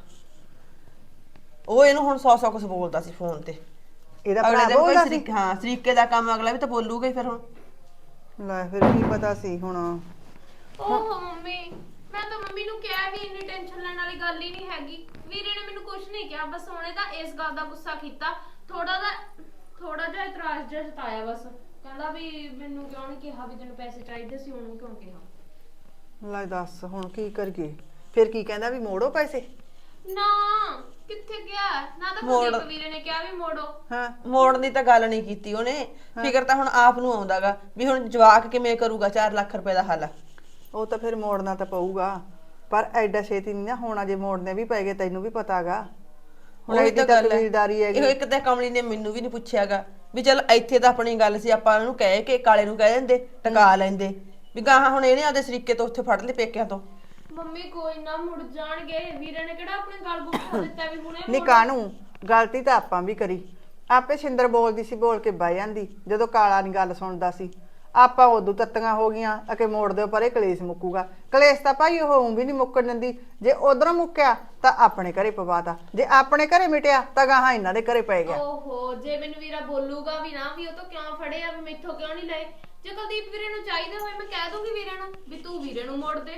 B: ਉਹ ਇਹਨੂੰ ਹੁਣ 100 ਕੁਝ ਬੋਲਦਾ ਸੀ ਫੋਨ ਤੇ।
F: ਇਹਦਾ
B: ਅਗਲੇ
F: ਭਰਾ
B: ਦਿਨ ਕੋਈ
F: ਬੋਲਦਾ ਸੀ?
B: ਸਰੀਕੇ, ਹਾਂ ਸਰੀਕੇ ਦਾ ਕੰਮ ਅਗਲਾ ਵੀ ਤਾਂ ਬੋਲੂਗਾ ਹੀ ਫਿਰ ਹੁਣ।
F: ਲੈ ਫਿਰ ਕੀ ਪਤਾ ਸੀ ਹੁਣ।
A: ਓਹੋ ਮੰਮੀ, ਮੈਂ ਤਾਂ ਮੰਮੀ ਨੂੰ ਕਿਹਾ ਵੀ ਇੰਨੀ ਟੈਨਸ਼ਨ ਲੈਣ ਵਾਲੀ ਗੱਲ ਹੀ ਨਹੀਂ ਹੈਗੀ। ਵੀਰੇ ਨੇ ਮੈਨੂੰ ਕੁਝ ਨਹੀਂ ਕਿਹਾ, ਬਸ ਉਹਨੇ ਤਾਂ ਇਸ ਗੱਲ ਦਾ ਗੁੱਸਾ ਕੀਤਾ, ਥੋੜਾ ਜਿਹਾ ਇਤਰਾਜ਼ ਜਿਹਾ ਜਤਾਇਆ, ਬਸ ਕਹਿੰਦਾ ਵੀ ਮੈਨੂੰ ਕਿਉਂ ਨਹੀਂ ਕਿਹਾ ਵੀ ਤੈਨੂੰ ਪੈਸੇ ਚਾਹੀਦੇ ਸੀ, ਉਹਨੂੰ ਕਿਉਂ ਕਿਹਾ।
F: ਲੈ ਦੱਸ ਹੁਣ ਕੀ ਕਰੀਏ? ਫਿਰ ਕੀ ਕਹਿੰਦਾ ਵੀ ਮੋੜੋ ਪੈਸੇ?
A: ਨਾ ਕਿੱਥੇ ਗਿਆ, ਨਾ ਤਾਂ ਕੁਲਦੀਪ ਵੀਰੇ ਨੇ ਕਿਹਾ ਵੀ ਮੋੜੋ।
F: ਹਾਂ
B: ਮੋੜਨ ਦੀ ਤਾਂ ਗੱਲ ਨਹੀਂ ਕੀਤੀ ਉਹਨੇ, ਫਿਕਰ ਤਾਂ ਹੁਣ ਆਪ ਨੂੰ ਆਉਂਦਾਗਾ ਵੀ ਹੁਣ ਜਵਾਕ ਕਿਵੇਂ ਕਰੂਗਾ 4 ਲੱਖ ਰੁਪਏ ਦਾ ਹੱਲ।
F: ਉਹ ਤਾਂ ਫਿਰ ਮੋੜਨਾ ਤਾਂ ਪਊਗਾ, ਪਰ ਐਡਾ ਛੇਤੀ ਨਹੀਂ ਨਾ ਹੋਣਾ, ਜੇ ਮੋੜਨੇ ਵੀ ਪੈ ਗਏ ਤੈਨੂੰ ਵੀ ਪਤਾਗਾ। ਹੁਣ
B: ਉਹੀ
F: ਇਹਦੀ
B: ਤਾਂ
F: ਤਾਂ
B: ਗੱਲ ਹੈ।
F: ਕਬੀਲਦਾਰੀ ਹੈਗੀ।
B: ਇਹੋ ਇੱਕ ਤਾਂ ਕਮਲੀ ਨੇ ਮੈਨੂੰ ਵੀ ਨਹੀਂ ਪੁੱਛਿਆਗਾ ਵੀ ਚੱਲ ਇੱਥੇ ਤਾਂ ਆਪਣੀ ਗੱਲ ਸੀ, ਆਪਾਂ ਉਹਨੂੰ ਕਹਿ ਕੇ ਕਾਲੇ ਨੂੰ ਕਹਿ ਦਿੰਦੇ, ਟਕਾ ਲੈਂਦੇ ਵੀ ਗਾਹਾਂ ਹੁਣ ਇਹਨੇ ਆਪਦੇ ਸਰੀਕੇ ਤੋਂ ਉੱਥੇ ਫੜ ਲਏ ਪੇਕਿਆਂ ਤੋਂ।
A: ਮੰਮੀ ਕੋਈ ਨਾ ਮੁੜ ਜਾਣਗੇ, ਵੀਰੇ ਨੇ ਕਿਹੜਾ ਆਪਣੀ ਗੱਲ ਗੁੱਸਾ ਦਿੱਤਾ ਵੀ ਹੁਣੇ
F: ਨੀ ਕਾਹਨੂੰ, ਗਲਤੀ ਤਾਂ ਆਪਾਂ ਵੀ ਕਰੀ। ਆਪੇ ਸਿੰਦਰ ਬੋਲਦੀ ਸੀ, ਬੋਲ ਕੇ ਬਹਿ ਜਾਂਦੀ, ਜਦੋਂ ਕਾਲਾ ਨਹੀਂ ਗੱਲ ਸੁਣਦਾ ਸੀ। ਆਪਾਂ ਉਦੋਂ ਤੱਤੀਆਂ ਹੋ ਗਈਆਂ ਅਕੇ ਮੋੜ ਦਿਓ ਪਰੇ, ਕਲੇਸ਼ ਮੁੱਕੂਗਾ। ਕਲੇਸ਼ ਤਾਂ ਭਾਈ ਉਹ ਵੀ ਨਹੀਂ ਮੁੱਕਣ ਦਿੰਦੀ, ਜੇ ਉਧਰੋਂ ਮੁੱਕਿਆ ਤਾਂ ਆਪਣੇ ਘਰੇ ਪਵਾਤਾ, ਜੇ ਆਪਣੇ ਘਰੇ ਮਿਟਿਆ ਤਾਂ ਗਾਹਾਂ ਇਹਨਾਂ ਦੇ ਘਰੇ ਪੈ ਗਿਆ।
A: ਓਹੋ, ਜੇ ਮੈਨੂੰ ਵੀਰਾ ਬੋਲੂਗਾ ਵੀ ਨਾ ਵੀ ਉਹ ਤਾਂ ਕਿਉਂ ਫੜੇ ਆ, ਵੀ ਮੈਥੋਂ ਕਿਉਂ ਨਹੀਂ ਲਏ, ਜੇ ਕੁਲਦੀਪ ਵੀਰੇ ਨੂੰ ਚਾਹੀਦੇ ਹੋਏ ਮੈਂ ਕਹਿ ਦੂੰਗੀ ਵੀਰੇ ਨੂੰ ਵੀ ਤੂੰ ਵੀਰੇ ਨੂੰ ਮੋੜ ਦੇ,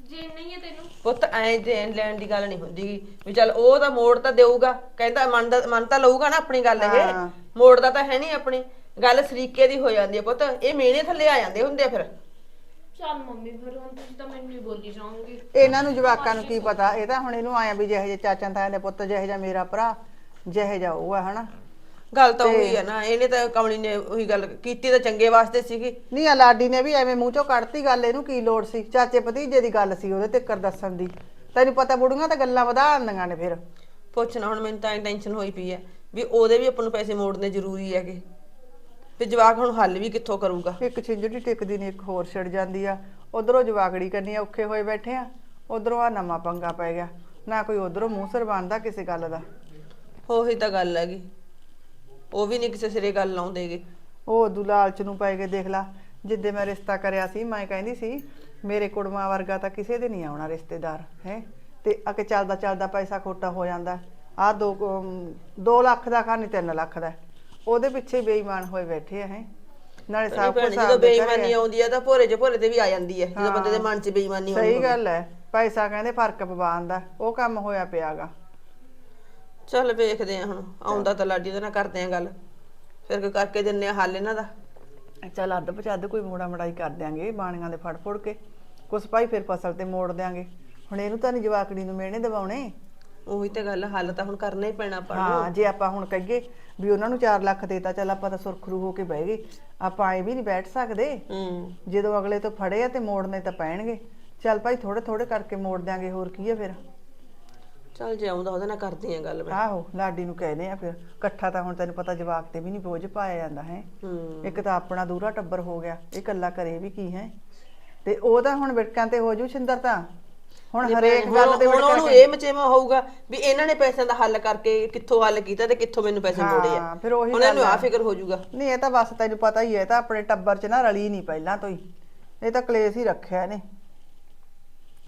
A: ਜੇ ਨਹੀਂ ਹੈ ਤੈਨੂੰ
B: ਪੁੱਤ ਐ ਦੇਣ ਲੈਣ ਦੀ ਗੱਲ ਨਹੀਂ ਹੁੰਦੀ ਵੀ ਚੱਲ ਉਹ ਤਾਂ ਮੋੜ ਤਾਂ ਦੇਊਗਾ, ਕਹਿੰਦਾ ਮੰਨ ਤਾਂ ਲਊਗਾ ਨਾ ਆਪਣੀ ਗੱਲ, ਇਹ
F: ਹਾਂ।
B: ਮੋੜਦਾ ਤਾਂ ਹੈ ਨਹੀਂ ਆਪਣੀ ਗੱਲ, ਸਰੀਕੇ ਦੀ ਹੋ ਜਾਂਦੀ ਹੈ ਪੁੱਤ, ਇਹ ਮਿਹਣੇ ਥੱਲੇ ਆ ਜਾਂਦੇ ਹੁੰਦੇ ਆ ਫਿਰ।
A: ਚੱਲ ਮੰਮੀ ਫਿਰ ਹੁਣ ਤੁਸੀਂ ਤਾਂ ਮੈਨੂੰ ਹੀ ਬੋਲੀ ਜਾਓਗੇ।
F: ਇਹਨਾਂ ਨੂੰ ਜਵਾਕਾਂ ਨੂੰ ਕੀ ਪਤਾ, ਇਹ ਤਾਂ ਹੁਣ ਇਹਨੂੰ ਆਇਆ ਵੀ ਜਿਹੇ ਜਿਹੇ ਚਾਚਾ ਤਾਇਆ ਦੇ ਪੁੱਤ, ਜਿਹੇ ਜਿਹਾ ਮੇਰਾ ਭਰਾ, ਜਿਹੇ ਜਿਹਾ ਉਹ ਆ ਹਨਾ।
B: ਗੱਲ ਤਾਂ ਉਹੀ ਹੈ ਨਾ, ਇਹਨੇ ਤਾਂ ਕਮਲੀ ਨੇ ਉਹੀ ਗੱਲ ਕੀਤੀ ਤਾਂ ਚੰਗੇ ਵਾਸਤੇ ਸੀਗੀ।
F: ਨਹੀਂ ਆ ਲਾਡੀ ਨੇ ਵੀ ਐਵੇਂ ਮੂੰਹ ਚੋਂ ਕੱਢਤੀ ਗੱਲ, ਇਹਨੂੰ ਕੀ ਲੋੜ ਸੀ, ਚਾਚੇ ਭਤੀਜੇ ਦੀ ਗੱਲ ਸੀ ਉਹਦੇ ਤੇ ਦੱਸਣ ਦੀ। ਤੈਨੂੰ ਪਤਾ ਬੁੜੀਆਂ ਤਾਂ ਗੱਲਾਂ ਵਧਾ ਆਉਂਦੀਆਂ ਨੇ ਫਿਰ।
B: ਪੁੱਛਣਾ ਹੁਣ ਮੈਨੂੰ ਤਾਂ ਟੈਨਸ਼ਨ ਹੋਈ ਪਈ ਹੈ ਵੀ ਉਹਦੇ ਵੀ ਆਪਾਂ ਨੂੰ ਪੈਸੇ ਮੋੜਨੇ ਜ਼ਰੂਰੀ ਹੈਗੇ, ਤੇ ਜਵਾਕ ਹੁਣ ਹੱਲ ਵੀ ਕਿੱਥੋਂ ਕਰੂਗਾ।
F: ਇੱਕ ਛਿੰਝੜੀ ਟਿਕਦੀ ਨਹੀਂ ਇੱਕ ਹੋਰ ਛਿੜ ਜਾਂਦੀ ਆ, ਉਧਰੋਂ ਜਵਾਕੜੀ ਕਰਨੀ ਔਖੇ ਹੋਏ ਬੈਠੇ ਆ, ਉਧਰੋਂ ਆ ਨਵਾਂ ਪੰਗਾ ਪੈ ਗਿਆ, ਨਾ ਕੋਈ ਉਧਰੋਂ ਮੂੰਹ ਸਿਰ ਬਣਦਾ ਕਿਸੇ ਗੱਲ ਦਾ।
B: ਉਹੀ ਤਾਂ ਗੱਲ ਹੈਗੀ, ਉਹ ਵੀ ਨਹੀਂ ਕਿਸੇ ਸਿਰੇ ਗੱਲ ਲਾਉਂਦੇਗੇ।
F: ਉਹ ਉਦੋਂ ਲਾਲਚ ਨੂੰ ਪੈ ਕੇ ਦੇਖ ਲਾ, ਜਿੱਦੇ ਮੈਂ ਰਿਸ਼ਤਾ ਕਰਿਆ ਸੀ ਮੈਂ ਕਹਿੰਦੀ ਸੀ ਮੇਰੇ ਕੁੜਮਾਂ ਵਰਗਾ ਤਾਂ ਕਿਸੇ ਦੇ ਨਹੀਂ ਆਉਣਾ ਰਿਸ਼ਤੇਦਾਰ ਹੈ, ਤੇ ਅਕੇ ਚੱਲਦਾ ਚੱਲਦਾ ਪੈਸਾ ਖੋਟਾ ਹੋ ਜਾਂਦਾ। ਆ 2 ਲੱਖ ਦਾ ਖਾਨੀ 3 ਲੱਖ ਦਾ, ਉਹਦੇ ਪਿੱਛੇ ਬੇਈਮਾਨ ਹੋਏ ਬੈਠੇ ਆ ਹੈ। ਨਾਲੇ ਸਭ ਕੁਝ
B: ਜਦੋਂ ਬੇਈਮਾਨੀ ਆਉਂਦੀ ਹੈ ਤਾਂ ਭੋਰੇ 'ਚ ਭੋਰੇ ਤੇ ਵੀ ਆ ਜਾਂਦੀ ਹੈ, ਜਦੋਂ ਬੰਦੇ ਦੇ ਮਨ 'ਚ ਬੇਈਮਾਨੀ ਆਉਂਦੀ
F: ਸਹੀ ਗੱਲ ਹੈ, ਪੈਸਾ ਕਹਿੰਦੇ ਫਰਕ ਪਵਾਉਂਦਾ, ਉਹ ਕੰਮ ਹੋਇਆ ਪਿਆਗਾ।
B: ਚੱਲ ਵੇਖਦੇ ਆ ਹੁਣ, ਆਉਂਦਾ ਤਾਂ ਲਾਡੀ ਉਹਦੇ ਨਾਲ ਕਰਦੇ ਆ ਗੱਲ, ਫਿਰ ਕੋਈ ਕਰਕੇ ਦਿੰਨੇ ਆ ਹੱਲ ਇਹਨਾਂ ਦਾ।
F: ਚੱਲ ਅੱਧ ਪਚੱਧ ਕੋਈ ਮੋੜਾ ਮੜਾਈ ਕਰ ਦਿਆਂਗੇ ਬਾਣੀਆਂ ਦੇ ਫੜ ਫੁੜ ਕੇ, ਕੁਛ ਭਾਈ ਫਿਰ ਫਸਲ ਤੇ ਮੋੜ ਦਿਆਂਗੇ। ਹੁਣ ਇਹਨੂੰ ਤਾਂ ਨੀ ਜਵਾਕੜੀ ਨੂੰ ਮਿਹਣੇ ਦਿਵਾਉਣੇ।
B: ਉਹੀ ਤਾਂ ਗੱਲ, ਹੱਲ ਤਾਂ ਹੁਣ ਕਰਨਾ ਹੀ ਪੈਣਾ ਆਪਾਂ ਨੂੰ।
F: ਹਾਂ, ਜੇ ਆਪਾਂ ਹੁਣ ਕਹੀਏ ਵੀ ਉਹਨਾਂ ਨੂੰ 4 ਲੱਖ ਦੇਤਾ, ਚੱਲ ਆਪਾਂ ਤਾਂ ਸੁਰਖਰੂ ਹੋ ਕੇ ਬਹਿ ਗਏ, ਆਪਾਂ ਐ ਵੀ ਨਹੀਂ ਬੈਠ ਸਕਦੇ। ਜਦੋਂ ਅਗਲੇ ਤੋਂ ਫੜੇ ਆ ਤੇ ਮੋੜਨੇ ਤਾਂ ਪੈਣਗੇ। ਚੱਲ ਭਾਈ ਥੋੜੇ ਥੋੜੇ ਕਰਕੇ ਮੋੜ ਦਿਆਂਗੇ, ਹੋਰ ਕੀ ਆ ਫਿਰ।
B: ਚੱਲ ਜੇ ਆਉਂਦਾ ਉਹਦੇ ਨਾਲ ਕਰਦੀ ਆ ਗੱਲ ਮੈਂ।
F: ਆਹੋ ਲਾਡੀ ਨੂੰ ਕਹਿੰਦੇ ਆ ਫਿਰ, ਇਕੱਠਾ ਤਾਂ ਹੁਣ ਤੈਨੂੰ ਪਤਾ ਜਵਾਕ ਤੇ ਵੀ ਨਹੀਂ ਬੋਝ ਪਾਇਆ ਜਾਂਦਾ ਹੈ। ਇੱਕ ਤਾਂ ਆਪਣਾ ਦੂਰਾ ਟੱਬਰ ਹੋ ਗਿਆ, ਇਹ ਇਕੱਲਾ ਕਰੇ ਵੀ ਕੀ ਹੈ, ਤੇ ਉਹ ਤਾਂ ਹੁਣ ਵਿਟਕਾਂ ਤੇ ਹੋ ਜੂ ਛਿੰਦਰ ਤਾਂ ਹੁਣ ਹਰੇਕ ਗੱਲ ਤੇ
B: ਹੁਣ ਉਹਨੂੰ ਇਹ ਮਚੇਵਾ ਹੋਊਗਾ ਵੀ ਇਹਨਾਂ ਨੇ ਪੈਸਿਆਂ ਦਾ ਹੱਲ ਕਰਕੇ ਕਿੱਥੋਂ ਹੱਲ ਕੀਤਾ ਤੇ ਕਿੱਥੋਂ ਮੈਨੂੰ ਪੈਸੇ ਮੋੜੇ ਆ,
F: ਫਿਰ ਉਹੀ
B: ਉਹਨਾਂ ਨੂੰ ਆ ਫਿਕਰ ਹੋ ਜਾਊਗਾ।
F: ਨਹੀਂ ਇਹ ਤਾਂ ਬਸ ਤੈਨੂੰ ਪਤਾ ਹੀ ਹੈ, ਇਹ ਤਾਂ ਆਪਣੇ ਟੱਬਰ 'ਚ ਨਾ ਰਲੀ ਨਹੀਂ ਪਹਿਲਾਂ ਤੋਂ ਹੀ, ਇਹ ਤਾਂ ਕਲੇਸ਼ ਹੀ ਰੱਖਿਆ ਇਹਨੇ।